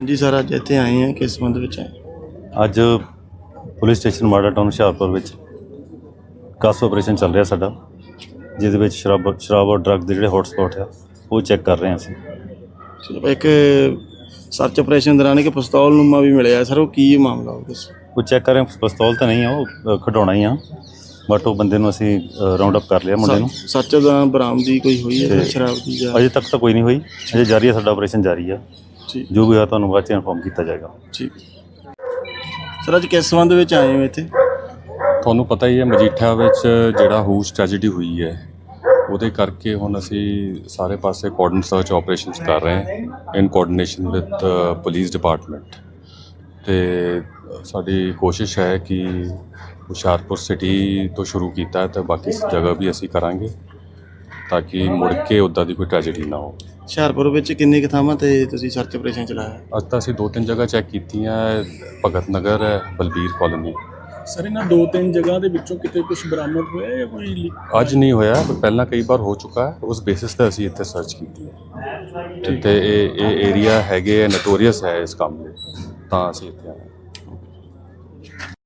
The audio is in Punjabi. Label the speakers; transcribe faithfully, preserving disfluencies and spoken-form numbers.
Speaker 1: जी सर, अज इत्थे आए हैं किस संबंध विच आए?
Speaker 2: ਅੱਜ ਪੁਲਿਸ ਸਟੇਸ਼ਨ ਮਾੜਾ ਟਾਊਨ ਹੁਸ਼ਿਆਰਪੁਰ ਵਿੱਚ ਕਾਸ ਆਪਰੇਸ਼ਨ ਚੱਲ ਰਿਹਾ ਸਾਡਾ, ਜਿਹਦੇ ਵਿੱਚ ਸ਼ਰਾਬ ਸ਼ਰਾਬ ਔਰ ਡਰੱਗ ਦੇ ਜਿਹੜੇ ਹੌਟ ਸਪੌਟ ਆ ਉਹ ਚੈੱਕ ਕਰ ਰਹੇ ਹਾਂ ਅਸੀਂ।
Speaker 1: ਚਲੋ, ਇੱਕ ਸਰਚ ਆਪਰੇਸ਼ਨ ਦੌਰਾਨ ਇੱਕ ਪਿਸਤੌਲ ਨੂਮਾ ਵੀ ਮਿਲਿਆ ਸਰ, ਉਹ ਕੀ ਮਾਮਲਾ ਉਹ ਦੱਸੋ?
Speaker 2: ਉਹ ਚੈੱਕ ਕਰ ਰਹੇ ਹਾਂ, ਪਿਸਤੌਲ ਤਾਂ ਨਹੀਂ ਆ, ਉਹ ਖਿਡੌਣਾ ਹੀ ਆ, ਬਟ ਉਹ ਬੰਦੇ ਨੂੰ ਅਸੀਂ ਰਾਉਂਡ ਅਪ ਕਰ ਲਿਆ, ਮੁੰਡੇ ਨੂੰ।
Speaker 1: ਸਰਚ ਦੌਰਾਨ ਬਰਾਮਦੀ ਕੋਈ ਹੋਈ ਹੈ ਸ਼ਰਾਬ ਦੀ ਜਾਂ?
Speaker 2: ਅਜੇ ਤੱਕ ਤਾਂ ਕੋਈ ਨਹੀਂ ਹੋਈ, ਅਜੇ ਜਾਰੀ ਹੈ, ਸਾਡਾ ਆਪਰੇਸ਼ਨ ਜਾਰੀ ਆ।
Speaker 1: ਠੀਕ,
Speaker 2: ਜੋ ਵੀ ਹੋਇਆ ਤੁਹਾਨੂੰ ਬਾਅਦ 'ਚ ਇਨਫੋਰਮ ਕੀਤਾ ਜਾਏਗਾ।
Speaker 1: ਠੀਕ ਸਰ, ਅੱਜ ਕਿਸ ਸੰਬੰਧ ਵਿੱਚ ਆਏ ਹੋ ਇੱਥੇ?
Speaker 3: ਤੁਹਾਨੂੰ ਪਤਾ ਹੀ ਹੈ ਮਜੀਠਾ ਵਿੱਚ ਜਿਹੜਾ ਹੂਸ ਟ੍ਰੈਜਡੀ ਹੋਈ ਹੈ, ਉਹਦੇ ਕਰਕੇ ਹੁਣ ਅਸੀਂ ਸਾਰੇ ਪਾਸੇ ਕੋਆਰਡੀਨੇਟ ਸਰਚ ਆਪਰੇਸ਼ਨਸ ਕਰ ਰਹੇ ਹਾਂ in coordination with police department. ਅਤੇ ਸਾਡੀ ਕੋਸ਼ਿਸ਼ ਹੈ ਕਿ ਹੁਸ਼ਿਆਰਪੁਰ ਸਿਟੀ ਤੋਂ ਸ਼ੁਰੂ ਕੀਤਾ ਅਤੇ ਬਾਕੀ ਜਗ੍ਹਾ ਵੀ ਅਸੀਂ ਕਰਾਂਗੇ ਤਾਂ ਕਿ ਮੁੜ ਕੇ ਉੱਦਾਂ ਦੀ ਕੋਈ ਟ੍ਰੈਜਡੀ ਨਾ ਹੋ।
Speaker 1: ਹੁਸ਼ਿਆਰਪੁਰ ਵਿੱਚ ਕਿੰਨੀ ਕੁ ਥਾਵਾਂ 'ਤੇ ਤੁਸੀਂ ਸਰਚ ਆਪਰੇਸ਼ਨ ਚਲਾਇਆ?
Speaker 3: ਅੱਜ ਤਾਂ ਅਸੀਂ ਦੋ ਤਿੰਨ ਜਗ੍ਹਾ ਚੈੱਕ ਕੀਤੀਆਂ, ਭਗਤ ਨਗਰ ਹੈ, ਬਲਬੀਰ ਕਾਲੋਨੀ।
Speaker 4: ਸਰ, ਇਹਨਾਂ ਦੋ ਤਿੰਨ ਜਗ੍ਹਾ ਦੇ ਵਿੱਚੋਂ ਕਿਤੇ ਕੁਝ ਬਰਾਮਦ ਹੋਇਆ ਜਾਂ ਕੋਈ ਲੀ-
Speaker 3: ਅੱਜ ਨਹੀਂ ਹੋਇਆ, ਪਰ ਪਹਿਲਾਂ ਕਈ ਵਾਰ ਹੋ ਚੁੱਕਾ ਹੈ। ਉਸ ਬੇਸਿਸ 'ਤੇ ਅਸੀਂ ਇੱਥੇ ਸਰਚ ਕੀਤੀ ਹੈ। ਅਤੇ ਇਹ ਇਹ ਏਰੀਆ ਹੈਗੇ ਨੋਟੋਰੀਅਸ ਹੈ ਇਸ ਕੰਮ ਲਈ, ਤਾਂ ਅਸੀਂ ਇੱਥੇ ਆਏ।